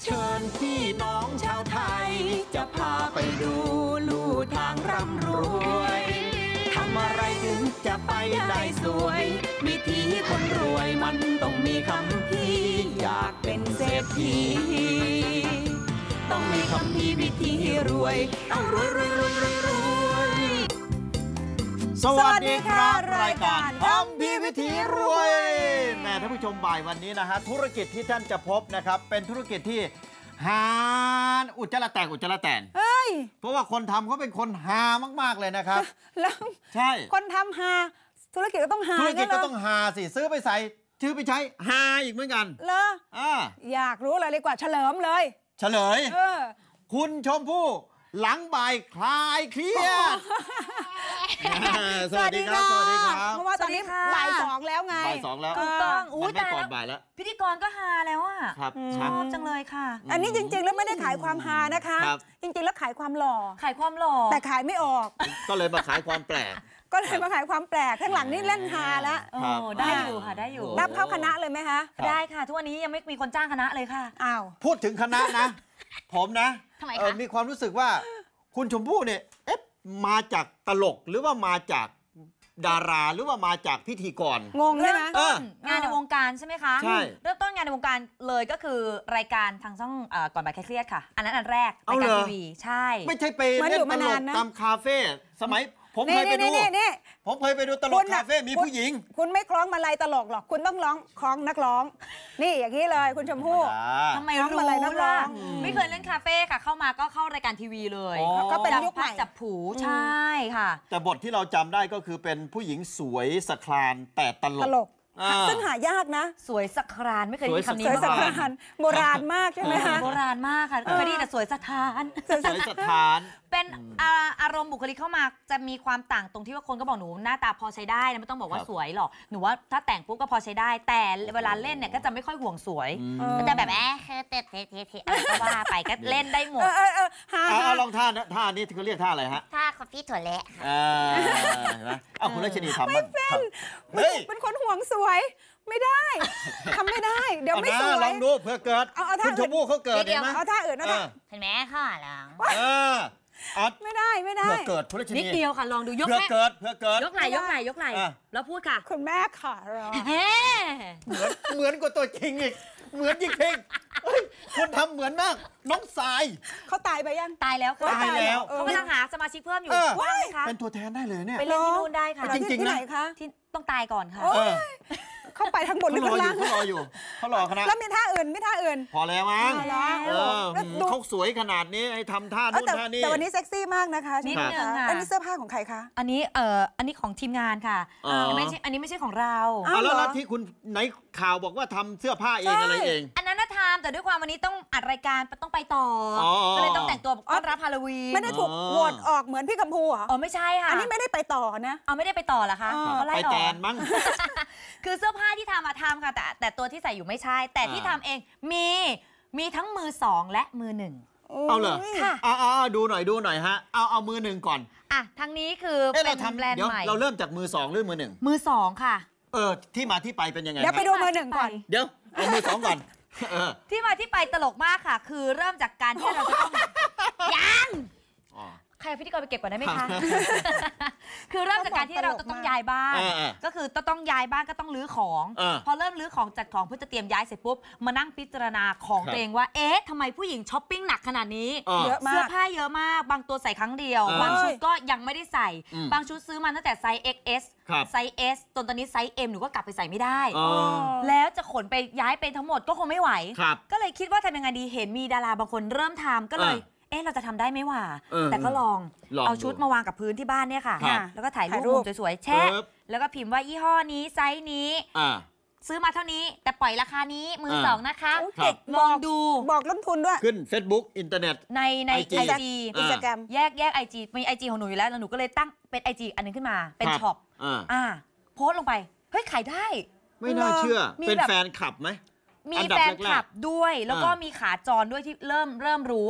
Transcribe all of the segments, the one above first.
ชิญพี่น้องชาวไทยจะพาไปดูลู่ทางร่ำรวยทำอะไรถึงจะไปได้สวยวิธีคนรวยมันต้องมีคำพี่อยากเป็นเศรษฐีต้องมีคำพี่วิธีรวยต้องรวยรวยรวยรวยรวยสวัสดีครับรายการคำพี่วิธีรวยแม่ท่านผู้ชมบ่ายวันนี้นะฮะธุรกิจที่ท่านจะพบนะครับเป็นธุรกิจที่หาอุจจาระแตกเพราะว่าคนทำเขาเป็นคนหามากๆเลยนะครับแล้วใช่คนทำหาธุรกิจก็ต้องหาธุรกิจก็ต้องหาสิซื้อไปใส่ชื่อไปใช้หาอีกเหมือนกันเหรออยากรู้อะไรเลยกว่าเฉลิมเลยเฉลยคุณชมพู่หลังบ่ายคลายเครียดสวัสดีครับสวัสดีครับเพราะว่าตอนนี้บ่ายสองแล้วไงบ่ายสองแล้วถูกต้องมันไม่ก่อนบ่ายแล้วพิธีกรก็ฮาแล้วอ่ะชอบจังเลยค่ะอันนี้จริงๆแล้วไม่ได้ขายความฮานะคะจริงๆแล้วขายความหล่อแต่ขายไม่ออกก็เลยมาขายความแปลกก็เลยมาขายความแปลกข้างหลังนี่เล่นฮาแล้วได้อยู่ค่ะได้อยู่รับเข้าคณะเลยไหมคะได้ค่ะทุกวันนี้ยังไม่มีคนจ้างคณะเลยค่ะอ้าวพูดถึงคณะนะผมนะมีความรู้สึกว่าคุณชมพู่เนี่ยมาจากตลกหรือว่ามาจากดาราหรือว่ามาจากพิธีกรงงใช่ไหมงานในวงการใช่ไหมคะใช่เริ่มต้นงานในวงการเลยก็คือรายการทางช่องก่อนบ่ายคลายเครียดค่ะอันนั้นอันแรกรายการทีวีใช่ไม่ใช่ไปเล่นตลกตามคาเฟ่สมัยผมเคยไปดูตลกคาเฟ่มีผู้หญิงคุณไม่คล้องมาลัยตลกหรอกคุณต้องร้องคล้องนักร้องนี่อย่างนี้เลยคุณชมพู่ทำไมรู้ล่ะไม่เคยเล่นคาเฟ่ค่ะเข้ามาก็เข้ารายการทีวีเลยก็เป็นยุคใหม่จับผูใช่ค่ะแต่บทที่เราจำได้ก็คือเป็นผู้หญิงสวยสครานแต่ตลกซึ่งหายากนะสวยสักครานไม่เคยได้คำนี้สวยสักครานโบราณมากใช่ไหมคะโบราณมากค่ะเคยได้แต่สวยสถานเป็นอารมณ์บุคลิกเข้ามาจะมีความต่างตรงที่ว่าคนก็บอกหนูหน้าตาพอใช้ได้นะไม่ต้องบอกว่าสวยหรอกหนูว่าถ้าแต่งปุ๊บก็พอใช้ได้แต่เวลาเล่นเนี่ยก็จะไม่ค่อยห่วงสวยก็จะแบบเตะอะไรก็ว่าไปก็เล่นได้หมดลองท่านี้เขาเรียกท่าอะไรฮะท่าคอฟฟี่ถั่วเละเอาคุณรัชนีทำไม่เป็นคนห่วงสวยไม่ได้ทำไม่ได้เดี๋ยวไม่สวยลองดูเพื่อเกิดคุณชมพู่เขาเกิดเอาท่าอื่นนะเห็นไหมข้าหลังไม่ได้เพื่อเกิดคุณรัชนีนิดเดียวค่ะลองดูยกเพื่อเกิดยกไหล่แล้วพูดค่ะคุณแม่ค่ะเหมือนกว่าตัวจริงอีกเหมือนจริงคนทำเหมือนมากน้องสายเขาตายไปยังตายแล้วตายแล้วเขากำลังหาสมาชิกเพิ่มอยู่ว่างไหมคะเป็นตัวแทนได้เลยเนี่ยไปเล่นที่นู่นได้ค่ะจริงๆนะที่ต้องตายก่อนค่ะเข้าไปทั้งบนหรือข้างล่างเขารออยู่เขารอคณะแล้วมีท่าอื่นพอแล้วมั้งเขาสวยขนาดนี้ให้ทำท่านู่นท่านี้แต่วันนี้เซ็กซี่มากนะคะนิดนึงค่ะอันนี้เสื้อผ้าของใครคะอันนี้ของทีมงานค่ะอันนี้ไม่ใช่ของเราแล้วที่คุณไหนข่าวบอกว่าทำเสื้อผ้าเองอะไรเองอันนั้นน่ะทำแต่ด้วยความวันนี้ต้องอัดรายการต้องไปต่อก็เลยต้องแต่งตัวต้อนรับฮาโลวีนไม่ได้ถูกโหวตออกเหมือนพี่กัมพูเหรอไม่ใช่ค่ะอันนี้ไม่ได้ไปต่อนะไม่ได้ไปต่อเหรอคะเขาไล่ออกไปแตนมั้งคือเสื้อผ้าที่ทำค่ะแต่ตัวที่ใส่อยู่ไม่ใช่แต่ที่ทำเองมีทั้งมือ2และมือ1 เอาเหรอค่ะดูหน่อยฮะเอามือ1ก่อนทั้งนี้คือเป็นแบรนด์ใหม่เราเริ่มจากมือ2หรือมือ1 มือ2ค่ะที่มาที่ไปเป็นยังไงเดี๋ยวไปดูมือ1ก่อนเดี๋ยวเอามือ2ก่อนที่มาที่ไปตลกมากค่ะคือเริ่มจากการที่เราจะต้องยังใครพิธีกรไปเก็บก่อนได้ไหมคะคือเริ่มจากการที่เราต้องย้ายบ้านก็คือต้องย้ายบ้านก็ต้องรื้อของพอเริ่มรื้อของจัดของเพื่อจะเตรียมย้ายเสร็จปุ๊บมานั่งพิจารณาของตัวเองว่าทำไมผู้หญิงช้อปปิ้งหนักขนาดนี้เสื้อผ้าเยอะมากบางตัวใส่ครั้งเดียวบางชุดก็ยังไม่ได้ใส่บางชุดซื้อมาตั้งแต่ไซส์ XS ไซส์ S จนตอนนี้ไซส์ M หนูก็กลับไปใส่ไม่ได้แล้วจะขนไปย้ายไปทั้งหมดก็คงไม่ไหวก็เลยคิดว่าทำยังไงดีเห็นมีดาราบางคนเริ่มทำก็เลยเราจะทำได้ไหมวะแต่ก็ลองเอาชุดมาวางกับพื้นที่บ้านเนี่ยค่ะแล้วก็ถ่ายรูปสวยๆแชะแล้วก็พิมพ์ว่ายี่ห้อนี้ไซส์นี้ซื้อมาเท่านี้แต่ปล่อยราคานี้มือ2นะคะลองดูบอกต้นทุนด้วยขึ้น Facebook อินเทอร์เน็ตใน IG Instagram แยก IG มี IG ของหนูอยู่แล้วหนูก็เลยตั้งเป็น IG อันนึงขึ้นมาเป็นช็อปโพสต์ลงไปเฮ้ยขายได้ไม่น่าเชื่อเป็นแฟนคลับไหมมีแฟนคลับด้วยแล้วก็มีขาจรด้วยที่เริ่มรู้อะค่ะ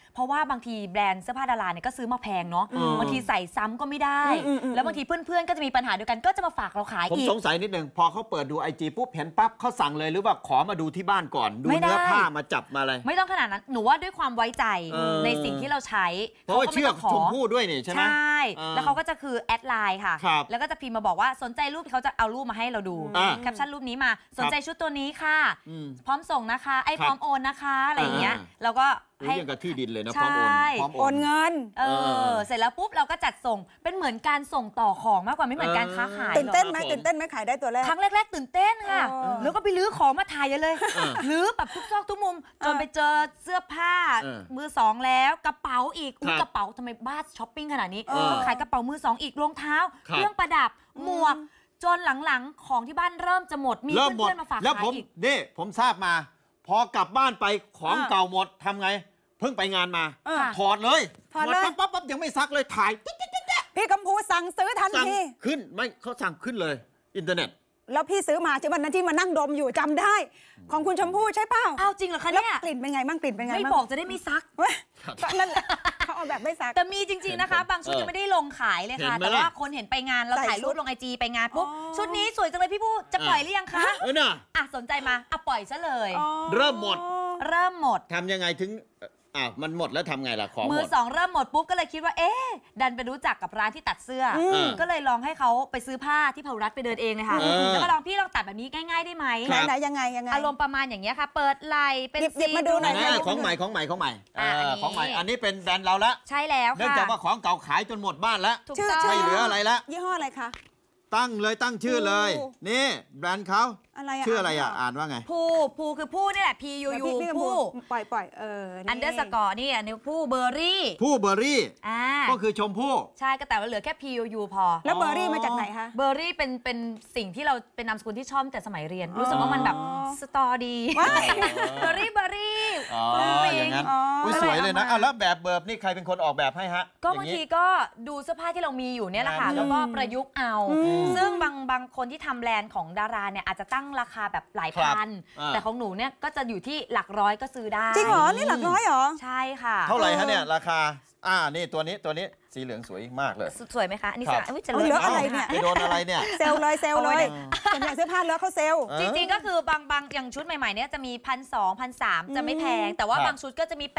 เพราะว่าบางทีแบรนด์เสื้อผ้าดาราเนี่ยก็ซื้อมาแพงเนาะบางทีใส่ซ้ำก็ไม่ได้แล้วบางทีเพื่อนๆก็จะมีปัญหาเดียวกันก็จะมาฝากเราขายอีกผมสงสัยนิดนึงพอเขาเปิดดู IG ปุ๊บเห็นปั๊บเขาสั่งเลยหรือว่าขอมาดูที่บ้านก่อนดูเนื้อผ้ามาจับมาอะไรไม่ต้องขนาดนั้นหนูว่าด้วยความไว้ใจในสิ่งที่เราใช้เพราะว่าเชื่อชมพู่ด้วยนี่ใช่ไหมใช่แล้วเขาก็จะคือแอดไลน์ค่ะแล้วก็จะพิมพ์มาบอกว่าสนใจรูปเขาจะเอารูปมาให้เราดูแคปชั่นรูปนี้มาสนใจชุดตัวนี้ค่ะพร้อมส่งนะคะพร้อมโอนนะคะอะไรอย่างเงี้ยเราก็ให้ยังกับที่ดินเลยนะพร้อมโอนเงินเสร็จแล้วปุ๊บเราก็จัดส่งเป็นเหมือนการส่งต่อของมากกว่าไม่เหมือนการค้าขายตื่นเต้นไหมขายได้ตัวแรกครั้งแรกๆตื่นเต้นค่ะแล้วก็ไปลื้อของมาถ่ายเลยลื้อแบบทุกซอกทุกมุมจนไปเจอเสื้อผ้ามือสองแล้วกระเป๋าอีกกระเป๋าทำไมบ้าช้อปปิ้งขนาดนี้ขายกระเป๋ามือสองอีกรองเท้าเครื่องประดับหมวกจนหลังๆของที่บ้านเริ่มจะหมดมีเพื่อนๆมาฝากขายอีกนี่ผมทราบมาพอกลับบ้านไปของเก่าหมดทำไงเพิ่งไปงานมาถอดเลยปั๊บยังไม่ซักเลยถ่ายพี่กัมพูสั่งซื้อทันทีขึ้นไม่เขาสั่งขึ้นเลยอินเทอร์เน็ตแล้วพี่ซื้อมาวันนั้นที่มานั่งดมอยู่จำได้ของคุณชมพู่ใช่เปล่าอ้าวจริงเหรอคะเนี่ยกลิ่นเป็นไงบ้างกลิ่นเป็นไงไม่บอกจะได้ไม่ซักนั่นแหละเขาเอาแบบไม่ซักแต่มีจริงๆนะคะบางชุดยังไม่ได้ลงขายเลยค่ะแต่ว่าคนเห็นไปงานเราถ่ายรูปลงIGไปงานปุ๊บชุดนี้สวยจังเลยพี่ผู้จะปล่อยหรือยังคะสนใจมาปล่อยซะเลยเริ่มหมดทำยังไงถึงมันหมดแล้วทำไงล่ะของมือสองเริ่มหมดปุ๊บก็เลยคิดว่าดันไปรู้จักกับร้านที่ตัดเสื้อก็เลยลองให้เขาไปซื้อผ้าที่พารัตไปเดินเองเลยค่ะแล้วก็ลองพี่ลองตัดแบบนี้ง่ายๆได้ไหมไหนยังไงอารมณ์ประมาณอย่างเงี้ยค่ะเปิดไหล่เป็นซีมาดูหน่อยของใหม่ของใหม่อันนี้เป็นแบรนด์เราละใช่แล้วค่ะเนื่องจากว่าของเก่าขายจนหมดบ้านแล้วไม่เหลืออะไรละยี่ห้ออะไรคะตั้งชื่อเลยนี่แบรนด์เขาชื่ออะไรอ่านว่าไงผู้คือผู้นี่แหละ PUU ผู้ปล่อย underscore นี่อันนี้ผู้เบอร์รี่ก็คือชมพู่ใช่ก็แต่ว่าเหลือแค่ PUU พอแล้วเบอร์รี่มาจากไหนคะเบอร์รี่เป็นสิ่งที่เราเป็นนามสกุลที่ชอบแต่สมัยเรียนรู้สึกว่ามันแบบสตอดีเบอร์รี่อย่างนั้นสวยเลยนะแล้วแบบเบิร์บนี่ใครเป็นคนออกแบบให้ฮะก็บางทีก็ดูเสื้อผ้าที่เรามีอยู่เนี่ยแหละค่ะแล้วก็ประยุกต์เอาซึ่งบางคนที่ทำแบรนด์ของดาราเนี่ยอาจจะตั้งราคาแบบหลายพันแต่ของหนูเนี่ยก็จะอยู่ที่หลักร้อยก็ซื้อได้จริงเหรอนี่หลักร้อยเหรอใช่ค่ะเท่าไหร่ฮะเนี่ยราคานี่ตัวนี้สีเหลืองสวยมากเลยสวยไหมคะอันนี้สวยจะเลอะอะไรเนี่ยไปโดนอะไรเนี่ยเซลเลยส่วนใหญ่เสื้อผ้าเลอะเขาเซลจริงๆก็คือบางอย่างชุดใหม่ๆเนี่ยจะมี1,200 1,300จะไม่แพงแต่ว่าบางชุดก็จะมี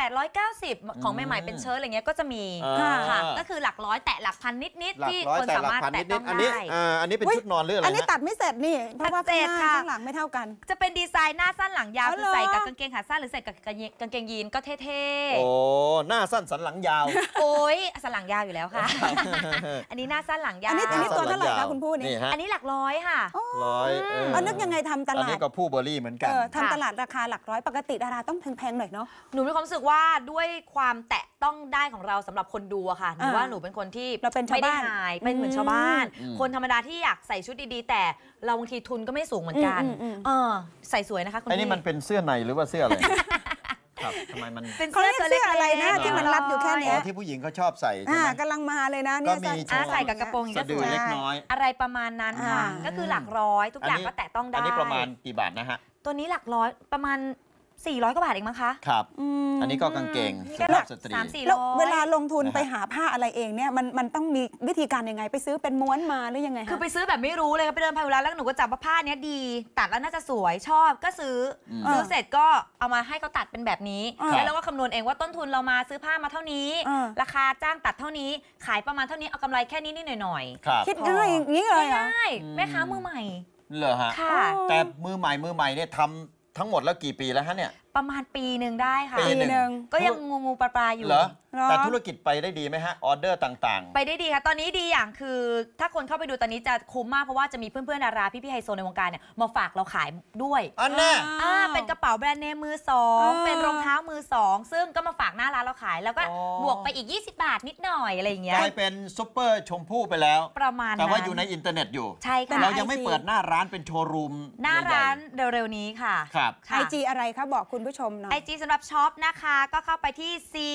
890ของใหม่ๆเป็นเชิ้ตอะไรเงี้ยก็จะมีค่ะก็คือหลักร้อยแต่หลักพันนิดๆที่คนสามารถแตะต้องได้อันนี้เป็นชุดนอนหรืออะไรอันนี้ตัดไม่เสร็จนี่เพราะว่าข้างหลังไม่เท่ากันจะเป็นดีไซน์หน้าสั้นหลังยาวคือใส่กับกางเกงขาสั้นหรือใส่กับกางเกงยีนก็เท่ๆโอ้หน้าสั้นสันหลังยาวโอ้ยสันหลังยาวอยู่แล้วค่ะอันนี้หน้าสั้นหลังยาวอันนี้ตัวเท่าไหร่คะคุณผู้นี่อันนี้หลักร้อยค่ะนึกยังไงทำตลาดอันนี้ก็ผู้เบอร์รี่เหมือนกันทำตลาดราคาหลักร้อยปกติดาราต้องแพงๆหน่อยเนาะหนูมีความรู้สึกว่าด้วยความแตะต้องได้ของเราสำหรับคนดูอะค่ะหนูว่าหนูเป็นคนที่ไม่ได้หายเป็นเหมือนชาวบ้านคนธรรมดาที่อยากใส่ชุดดีๆแต่เราบางทีทุนก็ไม่สูงเหมือนกันใส่สวยนะคะคุณพี่อันนี้มันเป็นเสื้อในหรือว่าเสื้ออะไรทำไมมันเป็นเสื้ออะไรนะที่มันรัดอยู่แค่นี้ที่ผู้หญิงเขาชอบใส่กำลังมาเลยนะเนี่ยใส่กับกระโปรงก็สวยเล็กน้อยอะไรประมาณนั้นค่ะก็คือหลักร้อยทุกอย่างก็แตะต้องได้อันนี้ประมาณกี่บาทนะฮะตัวนี้หลักร้อยประมาณ400 กว่าบาทเองมั้งคะครับอันนี้ก็กางเกงสุภาพสตรีแล้วเวลาลงทุนไปหาผ้าอะไรเองเนี่ยมันต้องมีวิธีการยังไงไปซื้อเป็นม้วนมาหรือยังไงคือไปซื้อแบบไม่รู้เลยไปเดินพายุรัตแล้วหนูก็จับว่าผ้านี้ดีตัดแล้วน่าจะสวยชอบก็ซื้อเสร็จก็เอามาให้เขาตัดเป็นแบบนี้แล้วเราก็คำนวณเองว่าต้นทุนเรามาซื้อผ้ามาเท่านี้ราคาจ้างตัดเท่านี้ขายประมาณเท่านี้เอากำไรแค่นี้หน่อยคิดง่ายอย่างนี้เลยง่ายแม่ค้ามือใหม่เหรอฮะแต่มือใหม่เนี่ยทำทั้งหมดแล้วกี่ปีแล้วฮะเนี่ยประมาณปีหนึ่งได้ค่ะปีหนึ่งก็ยังงูปลาอยู่เหรอแต่ธุรกิจไปได้ดีไหมฮะออเดอร์ต่างๆไปได้ดีค่ะตอนนี้ดีอย่างคือถ้าคนเข้าไปดูตอนนี้จะคุ้มมากเพราะว่าจะมีเพื่อนๆดาราพี่ๆไฮโซในวงการเนี่ยมาฝากเราขายด้วยอันน่ะเป็นกระเป๋าแบรนด์เนมมือ2เป็นรองเท้ามือ2ซึ่งก็มาฝากหน้าร้านเราขายแล้วก็บวกไปอีก20 บาทนิดหน่อยอะไรอย่างเงี้ยกลายเป็นซุปเปอร์ชมพู่ไปแล้วประมาณแต่ว่าอยู่ในอินเทอร์เน็ตอยู่ใช่ค่ะเรายังไม่เปิดหน้าร้านเป็นโชว์รูมหน้าร้านเร็วๆนี้ค่ะครับ IG อะไรคะบอกคุณผู้ชมหน่อย IG สำหรับช็อปนะคะก็เข้าไปที่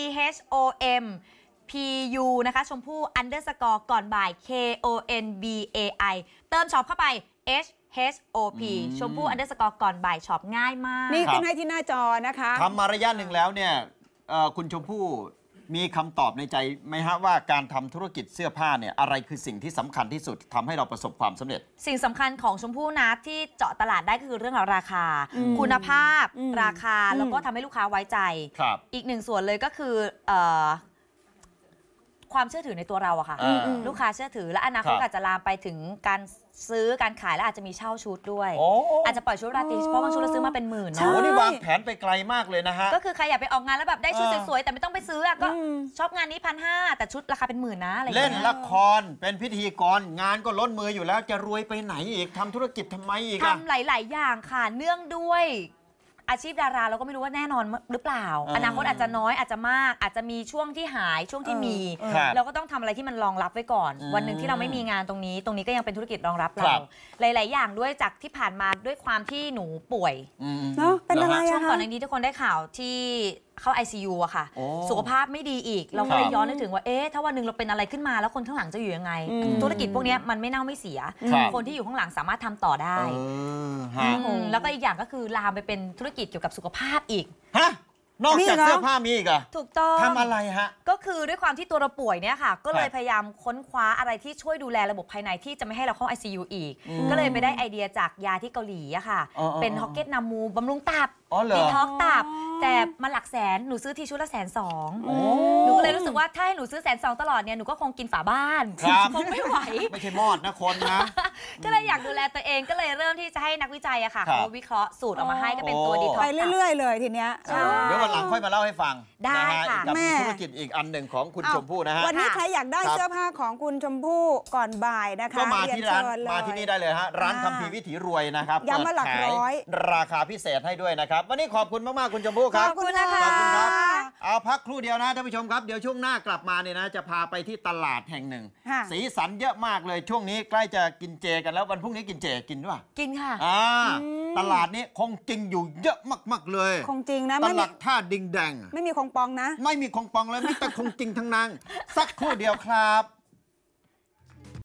CHOMPU นะคะชมพู่ underscore ก่อนบ่าย KONBAI เติมช็อปเข้าไป HOP ชมพู่ underscore ก่อนบ่ายช็อปง่ายมากนี่ขึ้นให้ที่หน้าจอนะคะทำมาระยะหนึ่งแล้วเนี่ยคุณชมพู่มีคำตอบในใจไหมฮะว่าการทำธุรกิจเสื้อผ้าเนี่ยอะไรคือสิ่งที่สำคัญที่สุดทำให้เราประสบความสำเร็จสิ่งสำคัญของชมพู่นะที่เจาะตลาดได้คือเรื่องของราคาคุณภาพราคาแล้วก็ทำให้ลูกค้าไว้ใจอีกหนึ่งส่วนเลยก็คือความเชื่อถือในตัวเราอะค่ะลูกค้าเชื่อถือและอนาคตอาจจะลามไปถึงการซื้อการขายและอาจจะมีเช่าชุดด้วยอาจจะปล่อยชุดราตรีเพราะบางชุดเราซื้อมาเป็นหมื่นเนาะโอ้นี่วางแผนไปไกลมากเลยนะฮะก็คือใครอยากไปออกงานแล้วแบบได้ชุดสวยๆแต่ไม่ต้องไปซื้อก็ชอบงานนี้1,500แต่ชุดราคาเป็นหมื่นนะอะไรเล่นละครเป็นพิธีกรงานก็ล้นมืออยู่แล้วจะรวยไปไหนอีกทำธุรกิจทำไมอีกทำหลายๆอย่างค่ะเนื่องด้วยอาชีพดาราเราก็ไม่รู้ว่าแน่นอนหรือเปล่าอนาคตอาจจะน้อยอาจจะมากอาจจะมีช่วงที่หายช่วงที่มีเราก็ต้องทำอะไรที่มันรองรับไว้ก่อนวันหนึ่งที่เราไม่มีงานตรงนี้ก็ยังเป็นธุรกิจรองรับเราหลายๆอย่างด้วยจากที่ผ่านมาด้วยความที่หนูป่วยเนาะเป็นอะไรช่วงก่อนในนี้ทุกคนได้ข่าวที่เข้า ICU อะค่ะสุขภาพไม่ดีอีกเราก็เลยย้อนนึกถึงว่าถ้าวันหนึ่งเราเป็นอะไรขึ้นมาแล้วคนข้างหลังจะอยู่ยังไงธุรกิจพวกนี้มันไม่เน่าไม่เสียคนที่อยู่ข้างหลังสามารถทำต่อได้แล้วก็อีกอย่างก็คือลามไปเป็นธุรกิจเกี่ยวกับสุขภาพอีกนอกจากเสื้อผ้ามีอีกอะถูกต้องทำอะไรฮะก็คือด้วยความที่ตัวเราป่วยเนี่ยค่ะก็เลยพยายามค้นคว้าอะไรที่ช่วยดูแลระบบภายในที่จะไม่ให้เราเข้า ICU อีกก็เลยไปได้ไอเดียจากยาที่เกาหลีอะค่ะเป็นฮอกเก็ตนามูบำรุงตับดีท็อกตับแต่มันหลักแสนหนูซื้อทีชุดละ120,000หนูก็เลยรู้สึกว่าถ้าให้หนูซื้อ120,000ตลอดเนี่ยหนูก็คงกินฝาบ้านคงไม่ไหวไม่ใช่มอดนะคนนะก็เลยอยากดูแลตัวเองก็เลยเริ่มที่จะให้นักวิจัยอะค่ะเขาวิเคราะห์สูตรออกมาให้ก็เป็นตัวดีท็อกไปเรื่อยๆเลยทีเนี้ยเดี๋ยววันหลังค่อยมาเล่าให้ฟังได้ค่ะกับธุรกิจอีกอันหนึ่งของคุณชมพู่นะฮะวันนี้ใครอยากได้เสื้อผ้าของคุณชมพู่ก่อนบ่ายนะคะก็มาที่ร้านมาที่นี่ได้เลยฮะร้านคัมภีร์วิถีรวยนะครับย้ำมาหลักร้อยราคาพิเศษให้ด้วยนะครับวันนี้ขอบคุณมากๆคุณชมพู่ครับขอบคุณนะคะขอบคุณครับเอาพักครู่เดียวนะท่านผู้ชมครับเดี๋ยวช่วงหน้ากลับมาเนี่ยนะจะพาไปที่ตลาดแห่งหนึ่งสีสันเยอะมากเลยช่วงนี้ใกล้จะกินเจกันแล้ววันพรุ่งนี้กินเจกินด้วยกินค่ะตลาดนี้คงจริงอยู่เยอะมากๆเลยคงจริงนะตลาดท่าดิงแดงไม่มีคงปองนะไม่มีคงปองเลยไม่แต่คงจริงทั้งนั้นสักครู่เดียวครับ